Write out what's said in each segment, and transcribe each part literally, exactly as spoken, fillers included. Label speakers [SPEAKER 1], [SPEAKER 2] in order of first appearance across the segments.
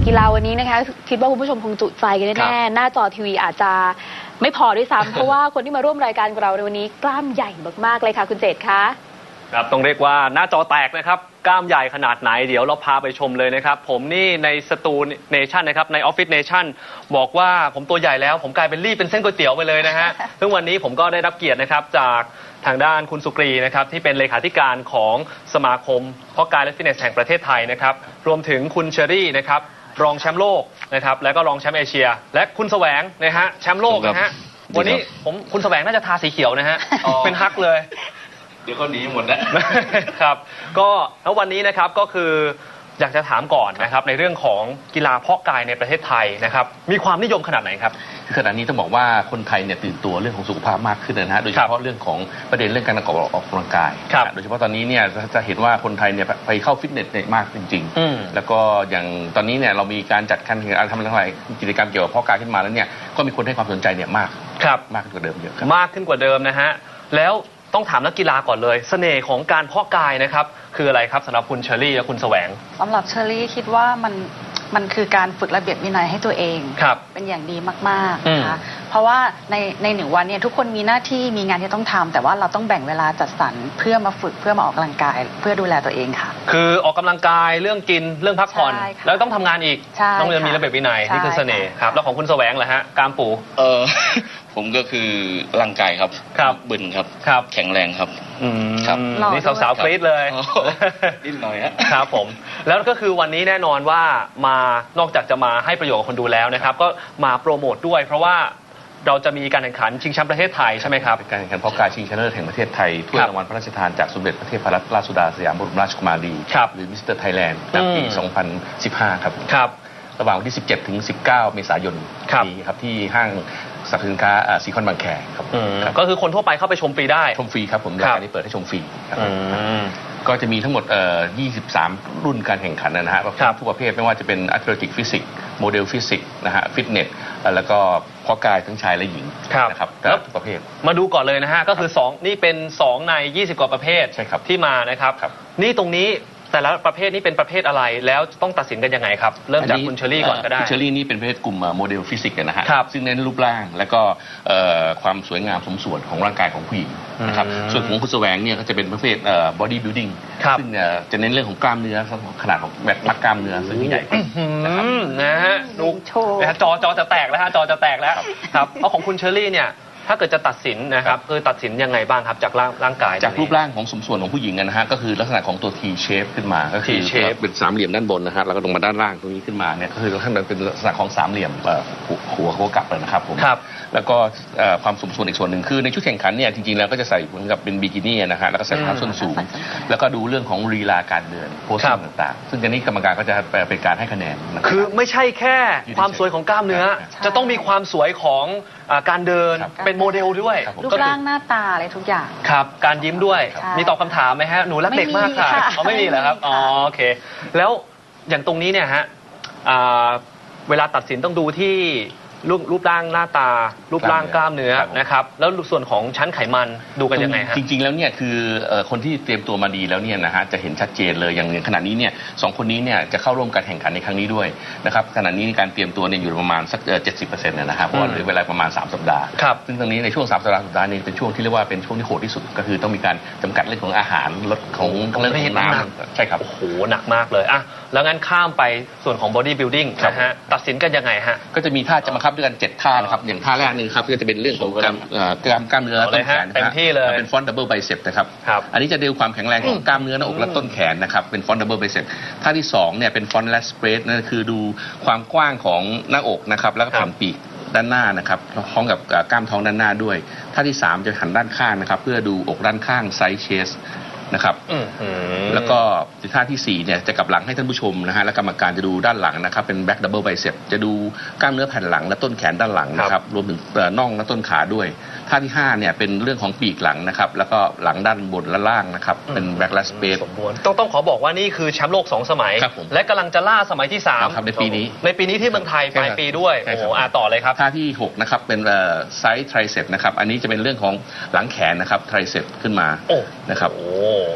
[SPEAKER 1] กีฬาวันนี้นะคะคิดว่าคุณผู้ชมคงจุใจกันแน่ๆหน้าจอทีวีอาจจะไม่พอด้วยซ้ำ เพราะว่าคนที่มาร่วมรายการกับเราในวันนี้กล้ามใหญ่มากๆเลยค่ะคุณเจตคะ
[SPEAKER 2] ครับต้องเรียกว่าหน้าจอแตกนะครับกล้ามใหญ่ขนาดไหนเดี๋ยวเราพาไปชมเลยนะครับผมนี่ในสตูเนชั่นนะครับในออฟฟิศเนชั่นบอกว่าผมตัวใหญ่แล้วผมกลายเป็นรีบเป็นเส้นก๋วยเตี๋ยวไปเลยนะฮะ ซึ่งวันนี้ผมก็ได้รับเกียรตินะครับจากทางด้านคุณสุกรีนะครับที่เป็นเลขาธิการของสมาคมเพาะกายและฟิตเนสแห่งประเทศไทยนะครับรวมถึงคุณเชอรี่นะครับรองแชมป์โลกนะครับแล้วก็รองแชมป์เอเชียและคุณแสวงนะฮะแชมป์โลกนะฮะวันนี้ผมคุณแสวงน่าจะทาสีเขียวนะฮะเป็นฮักเลย
[SPEAKER 3] เดี๋ยวก็หนีหมดแล้ว
[SPEAKER 2] ครับก็แล้ววันนี้นะครับก็คืออยากจะถามก่อนนะครับในเรื่องของกีฬาเพาะกายในประเทศไทยนะครับมีความนิยมขนาดไหนครับ
[SPEAKER 3] ขณะนี้ต้องบอกว่าคนไทยเนี่ยตื่นตัวเรื่องของสุขภาพมากขึ้นนะฮะโดยเฉพาะเรื่องของประเด็นเรื่องการออกกำลังกายโดยเฉพาะตอนนี้เนี่ยจะเห็นว่าคนไทยเนี่ยไปเข้าฟิตเนสมากจริงๆแล้วก็อย่างตอนนี้เนี่ยเรามีการจัดการแข่งขันทำอะไรกิจกรรมเกี่ยวกับเพาะกายขึ้นมาแล้วเนี่ยก็มีคนให้ความสนใจเนี่ยมากมากขึ้นกว่าเดิมเยอะ
[SPEAKER 2] มากขึ้นกว่าเดิมนะฮะแล้วต้องถามนักกีฬาก่อนเลยเสน่ห์ของการเพาะกายนะครับคืออะไรครับสำหรับคุณเชอรี่และคุณแสวง
[SPEAKER 4] สำหรับเชอรี่คิดว่ามันมันคือการฝึกระเบียบวินัยให้ตัวเองเป็นอย่างดีมากๆนะคะเพราะว่าในในหนึ่งวันเนี่ยทุกคนมีหน้าที่มีงานที่ต้องทำแต่ว่าเราต้องแบ่งเวลาจัดสรรเพื่อมาฝึกเพื่อมาออกกำลังกายเพื่อดูแลตัวเองค่ะ
[SPEAKER 2] คือออกกำลังกายเรื่องกินเรื่องพักผ่อนแล้วต้องทำงานอีกต้องมีระเบียบวินัยนี่คือเสน่ห์ครับแล้วของคุณแสวงเหรอฮะกามปู
[SPEAKER 5] เออผมก็คือร่างกายครับ
[SPEAKER 2] ครับ
[SPEAKER 5] บึนครับ
[SPEAKER 2] ครับ
[SPEAKER 5] แข็งแรงครับ
[SPEAKER 2] ครับนี่สาวๆกรี๊ดเลย
[SPEAKER 5] นิดหน่อยฮะ
[SPEAKER 2] ครับผมแล้วก็คือวันนี้แน่นอนว่ามานอกจากจะมาให้ประโยชน์กับคนดูแล้วนะครับก็มาโปรโมทด้วยเพราะว่าเราจะมีการแข่งขันชิงแชมป์ประเทศไทยใช่ไหมครับ
[SPEAKER 3] การแข่งขันเพาะกายชิงชนะเลิศแห่งประเทศไทยถ้วยรางวัลพระราชทานจากสมเด็จพระเทพรัตนราชสุดาสยามบรมราชกุมารีหรือมิสเตอร์ไทยแลนด์ในปีสองพันสิบห้าครับ
[SPEAKER 2] ครับ
[SPEAKER 3] ระหว่างวันที่สิบเจ็ดถึงสิบเก้าเมษายนนี้ครับที่ห้างสรรพสินค้าซีคอนบางแคครับ
[SPEAKER 2] ก็คือคนทั่วไปเข้าไปชมฟรีได้
[SPEAKER 3] ชมฟรีครับผมรายการนี้เปิดให้ชมฟรีครับก็จะมีทั้งหมดยี่สิบสามรุ่นการแข่งขันนะฮะทุกประเภทไม่ว่าจะเป็นแอตเลติกฟิสิกส์โมเดลฟิสิกส์นะฮะฟิตเนสแล้วก็เพาะกายทั้งชายและหญิงนะครับแล้วทุกประเภท
[SPEAKER 2] มาดูก่อนเลยนะฮะก็คือสองนี่เป็นสองในยี่สิบกว่าประเภทที่มานะครับนี่ตรงนี้แต่ละประเภทนี้เป็นประเภทอะไรแล้วต้องตัดสินกันยังไงครับเริ่มจากคุณเชอรี่ก่อนก็ได้
[SPEAKER 3] คุณเชอรี่นี่เป็นประเภทกลุ่มโมเดลฟิสิกส์นะฮะซึ่งเน้นรูปร่างและก็ความสวยงามสมส่วนของร่างกายของผู้หญิงนะครับส่วนของคุณแสวงเนี่ยก็จะเป็นประเภทบอดี้บิลดิ้งซึ่งจะเน้นเรื่องของกล้ามเนื้อขนาดของแบบมัดกล้ามเนื้อซึ่งใหญ่
[SPEAKER 2] นะครับนะฮะดูจอจอจะแตกแล้วฮะจอจะแตกแล้วครับเพราะของคุณเชอรี่เนี่ยถ้าเกิดจะตัดสินนะครับคือตัดสินยังไงบ้างครับจากร่างร่างกาย
[SPEAKER 3] จากรูปร่างของสมส่วนของผู้หญิงนะฮะก็คือลักษณะของตัว T shape ขึ้นมาก็คือเป็นสามเหลี่ยมด้านบนนะฮะแล้วก็ลงมาด้านล่างตรงนี้ขึ้นมาเนี่ยก็คือลักษณะเป็นลักษณะของสามเหลี่ยมหัวหัวกลับเลยนะครับผมแล้วก็ความสมส่วนอีกส่วนหนึ่งคือในชุดแข่งขันเนี่ยจริงๆแล้วก็จะใส่เหมือนกับเป็นบิกินี่นะฮะแล้วก็ใส่รองเท้าส้นสูงแล้วก็ดูเรื่องของลีลาการเดินโพสต์ต่างๆซึ่งอันนี้กรรมการก็จะเป็นการให้คะแนน
[SPEAKER 2] คือไม่ใช่แค่ความสวยของกล้ามเนื้อจะต้องมีความสวยของการเดินเป็นโมเดลด้วย
[SPEAKER 4] รูปร่างหน้าตาอะไรทุกอย่าง
[SPEAKER 2] ครับการยิ้มด้วยมีตอบคำถามไหมฮะหนูรักเด็กมากค่ะอ๋อไม่มีเหรอครับอ๋อโอเคแล้วอย่างตรงนี้เนี่ยฮะเวลาตัดสินต้องดูที่รูปรูปร่างหน้าตารูปร่างกล้ามเนื้อนะครับแล้วส่วนของชั้นไขมันดูกันยังไงฮะ
[SPEAKER 3] จริงๆแล้วเนี่ยคือคนที่เตรียมตัวมาดีแล้วเนี่ยนะฮะจะเห็นชัดเจนเลยอย่างขณะนี้เนี่ยสองคนนี้เนี่ยจะเข้าร่วมการแข่งขันในครั้งนี้ด้วยนะครับขณะนี้การเตรียมตัวเนี่ยอยู่ประมาณสักเจ็ดสิบเปอร์เซ็นต์นะครับเพราะเหลือเวลาประมาณสามสัปดาห์ซึ่งตรงนี้ในช่วงสามสัปดาห์สุดท้ายนี้เป็นช่วงที่เรียกว่าเป็นช่วงที่โหดที่สุดก็คือต้องมีการจำกัดเรื่องของอาหารลดของเรื่องของน้ำใช่ครับ
[SPEAKER 2] โอ้โหหนักมากเลยอ่ะแล้วงั้นข้ามไปส่วนของ body building นะฮะตัดสินกันยังไงฮะ
[SPEAKER 3] ก็จะมีท่าจะบังคับด้วยกันเจ็ดท่านะครับอย่างท่าแรกนึงครับก็จะเป็นเรื่องของกล้ามกล้ามกล้ามเนื้อต้นแขน
[SPEAKER 2] เต็มที่เลย
[SPEAKER 3] เป็นฟอนต์ดับเบิลไบเซปนะครับอันนี้จะดูความแข็งแรงของกล้ามเนื้อหน้าอกและต้นแขนนะครับเป็นฟอนต์ดับเบิลไบเซปท่าที่สองเนี่ยเป็นฟอนต์แลสเปรสนั่นคือดูความกว้างของหน้าอกนะครับแล้วก็แผ่นปีกด้านหน้านะครับพร้อมกับกล้ามท้องด้านหน้าด้วยท่าที่สามจะหันด้านข้างนะครับเพื่อดูอกด้านข้างไซส์เชสนะครับแล้วก็ท่าที่สี่เนี่ยจะกลับหลังให้ท่านผู้ชมนะฮะและกรรมการจะดูด้านหลังนะครับเป็นแบ็กดับเบิลไบเซปจะดูกล้ามเนื้อแผ่นหลังและต้นแขนด้านหลังนะครับรวมถึงน่องและต้นขาด้วยท่าที่ห้าเนี่ยเป็นเรื่องของปีกหลังนะครับแล้วก็หลังด้านบนและล่างนะครับเป็นแบ็กแลสเปซ
[SPEAKER 2] ต้องต้องขอบอกว่านี่คือแชมป์โลกสองสมัยและกำลังจะล่าสมัยที่สาม
[SPEAKER 3] ในปีนี้
[SPEAKER 2] ในปีนี้ที่เมืองไทยปลายปีด้วยโอ้โหอ่ะต่อเลยครับ
[SPEAKER 3] ท่าที่หกนะครับเป็นไซส์ไทรเซปนะครับอันนี้จะเป็นเรื่องของหลังแขนนะครับไทรเซปขึ้นมานะครับ
[SPEAKER 2] โอ้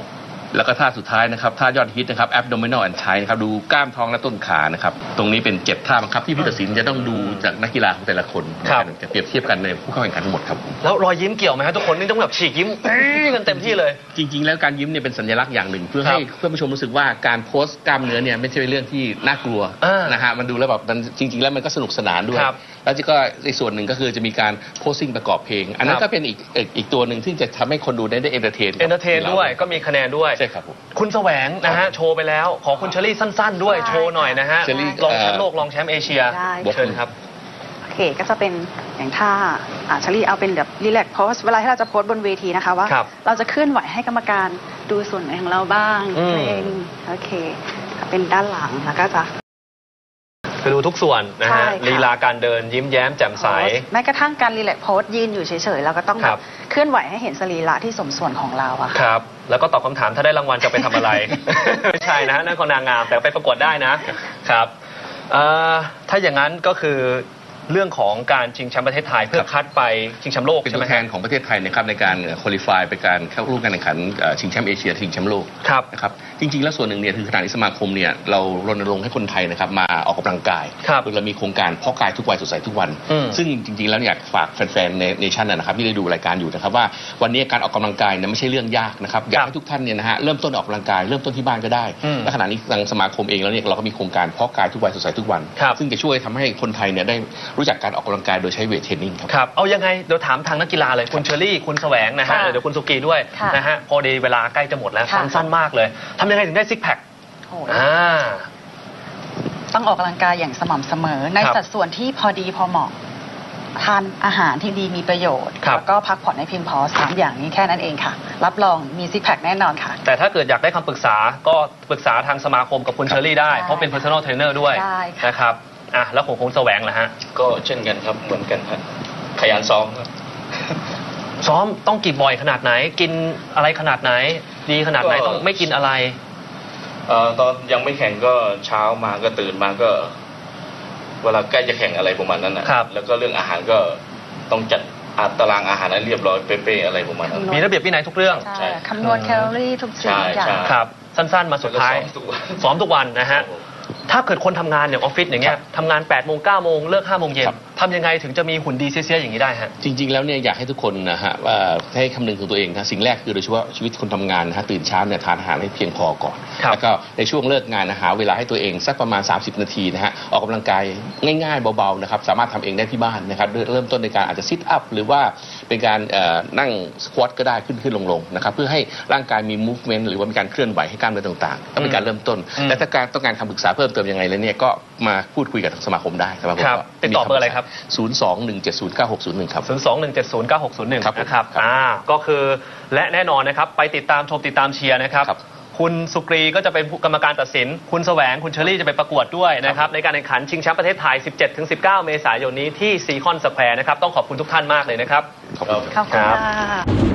[SPEAKER 3] แล้วก็ท่าสุดท้ายนะครับท่ายอดฮิตนะครับ abdominal and thigh นะครับดูกล้ามท้องและต้นขานะครับตรงนี้เป็นเจ็ดท่าบังคับที่ผู้ตัดสินจะต้องดูจากนักกีฬาของแต่ละคนจะเปรียบเทียบกันในผู้เข้าแข่งขันทั้งหมดครับ
[SPEAKER 2] แล้วรอยยิ้มเกี่ยวไหมครับทุกคนนี่ต้องแบบฉีกยิ้มกันเต็มที่เลย
[SPEAKER 3] จริงๆแล้วการยิ้มเนี่ยเป็นสัญลักษณ์อย่างหนึ่งเพื่อให้เพื่อนผู้ชมรู้สึกว่าการโพสต์กล้ามเนื้อเนี่ยไม่ใช่เป็นเรื่องที่น่ากลัวนะฮะมันดูแล้วแบบมันจริงๆแล้วมันก็สนุกสนานด้วยแล้วก็อีกส่วนหนึ่งก็คือจะมีการโพสซิ่งประกอบเพลงอันนั้นก็เป็นอีกอีกตัวหนึ่งที่จะทำให้คนดูได้ได้เอนเตอร์เทน
[SPEAKER 2] เอนเตอร์เทนด้วยก็มีคะแนนด้วย
[SPEAKER 3] ใช่ครับผม
[SPEAKER 2] คุณแสวงนะฮะโชว์ไปแล้วขอคุณเชอรี่สั้นๆด้วยโชว์หน่อยนะฮะรองแชมป์โลกรองแชมป์เอเชียเชิญครับ
[SPEAKER 4] โอเคก็จะเป็นอย่างท่าอ่าเชอรี่เอาเป็นแบบรีแลกซ์โพสเวลาที่เราจะโพสบนเวทีนะคะว่าเราจะเคลื่อนไหวให้กรรมการดูส่วนไหนของเราบ้างเพลงโอเคเป็นด้านหลังแล้วก็จะ
[SPEAKER 2] คือดูทุกส่วนนะฮะลีลาการเดินยิ้มแย้มแจ่มใส
[SPEAKER 4] แม้กระทั่งการรีแลกซ์โพสยืนอยู่เฉยๆเราก็ต้องแบบเคลื่อนไหวให้เห็นสรีระที่สมส่วนของเราอะ
[SPEAKER 2] ครับแล้วก็ตอบคำถามถ้าได้รางวัลจะไปทำอะไร ไม่ใช่นะนั่นคนนางงามแต่ไปประกวดได้นะครับถ้าอย่างนั้นก็คือเรื่องของการชิงแชมป์ประเทศไทยเพื่อคัดไปชิงแชมป์โลก
[SPEAKER 3] เป็นตัวแทนของประเทศไทยนะครับในการคุริฟายไปการเข้าร่วมการแข่งขันชิงแชมป์เอเชียชิงแชมป์โลกนะครับจริงๆแล้วส่วนหนึ่งเนี่ยคือขณะนี้สมาคมเนี่ยเรารณรงค์ให้คนไทยนะครับมาออกกำลังกายโดยเรามีโครงการเพาะกายทุกวัยสดใสทุกวันซึ่งจริงๆแล้วอยากฝากแฟนๆในเนชั่นนะครับที่ได้ดูรายการอยู่นะครับว่าวันนี้การออกกำลังกายเนี่ยไม่ใช่เรื่องยากนะครับอยากให้ทุกท่านเนี่ยนะฮะเริ่มต้นออกกำลังกายเริ่มต้นที่บ้านก็ได้และขณะนี้ทางสมาคมเองแล้วเนี่ยเราก็มีโครงการเพาะกายทุกวัยสดใสทุกวันซึ่งจะช่วยทำให้คนไทยเนี่ยได้รู้จักการออกกำลังกายโดยใช้เวทเทรนนิ่งครับ
[SPEAKER 2] ครับเอายังไงเดี๋ยวถามทางนักกีฬาเลยคุณเชอรี่คุณแสวงนะฮะเดี๋ยวคุณสุกีด้วยนะฮะพอดีเวลาใกล้จะหมดแล้วสั้นๆมากเลยทำยังไงถึงได้ซิกแพค
[SPEAKER 4] ต้องออกกำลังกายอย่างสม่ำเสมอในสัดส่วนที่พอดีพอเหมาะทานอาหารที่ดีมีประโยชน์แล้วก็พักผ่อนให้เพียงพอสามอย่างนี้แค่นั้นเองค่ะรับรองมีซิกแพคแน่นอนค่ะ
[SPEAKER 2] แต่ถ้าเกิดอยากได้คำปรึกษาก็ปรึกษาทางสมาคมกับคุณเชอรี่ได้เพราะเป็น personal trainer ด้วยนะครับอ่ะแล้วของคุณแสวงล่ะฮะ
[SPEAKER 5] ก็เช่นกันครับเหมือนกันครับขยันซ้อมครับ
[SPEAKER 2] ซ้อมต้องกี่บ่อยขนาดไหนกินอะไรขนาดไหนดีขนาดไหนต้องไม่กินอะไร
[SPEAKER 5] เอ่อตอนยังไม่แข่งก็เช้ามาก็ตื่นมาก็เวลาใกล้จะแข่งอะไรประมาณนั้นนะครับแล้วก็เรื่องอาหารก็ต้องจัดตารางอาหารให้เรียบร้อยเป๊ะๆอะไรประมาณนั้น
[SPEAKER 2] มีระเบียบวินัยทุกเรื่อง
[SPEAKER 4] ใช่คำนวณแคลอรี่ทุกสิ่งอย่าง
[SPEAKER 2] ครับสั้นๆมาสุดท้ายซ้อมทุกวันนะฮะถ้าเกิดคนทำงานอย่างออฟฟิศอย่างเงี้ยทำงานแปดโมงเก้าโมงเลิกห้าโมงเย็นทำยังไงถึงจะมีหุ่นดีเสียๆอย่างนี้ได้ฮะ
[SPEAKER 3] จริงๆแล้วเนี่ยอยากให้ทุกคนนะฮะว่าให้คำนึงถึงตัวเองนะสิ่งแรกคือโดยเฉพาะชีวิตคนทำงานนะฮะตื่นเช้าเนี่ยทานอาหารให้เพียงพอก่อนแล้วก็ในช่วงเลิกงานนะหาเวลาให้ตัวเองสักประมาณสามสิบนาทีนะฮะออกกำลังกายง่ายๆเบาๆนะครับสามารถทำเองได้ที่บ้านนะครับเริ่มต้นในการอาจจะซิทอัพหรือว่าเป็นการนั่งสควอตก็ได้ขึ้นขึ้นลงๆนะครับเพื่อให้ร่างกายมีมูฟเมนต์หรือว่ามีการเคลื่อนไหวให้กล้ามเนื้อต่างๆก็เป็นการเริ่มต้นและถ้าการต้องการคำปรึกษาเพิ่มเติมยังไงแล้วเนี่ยก็มาพูดคุยกับสมาคมได้สมาคมก็
[SPEAKER 2] ติดต่อเบอร์อะไรครับ
[SPEAKER 3] ศูนย์ สอง หนึ่ง เจ็ด ศูนย์ เก้า หก ศูนย์ หนึ่งครับ
[SPEAKER 2] ศูนย์ สอง หนึ่ง เจ็ด ศูนย์ เก้า หก ศูนย์ หนึ่งนะครับอ่าก็คือและแน่นอนนะครับไปติดตามชมติดตามเชียร์นะครับคุณสุกรีก็จะเป็นกรรมการตัดสินคุณแสวงคุณเชอรี่จะไปประกวดด้วยนะครับในการแข่งขันชิงแชมป์ประเทศไทย สิบเจ็ดถึงสิบเก้า เมษายนนี้ที่ซีคอนสแควร์นะครับต้องขอบคุณทุกท่านมากเลยนะครับ
[SPEAKER 3] ขอบคุณ
[SPEAKER 4] ครับ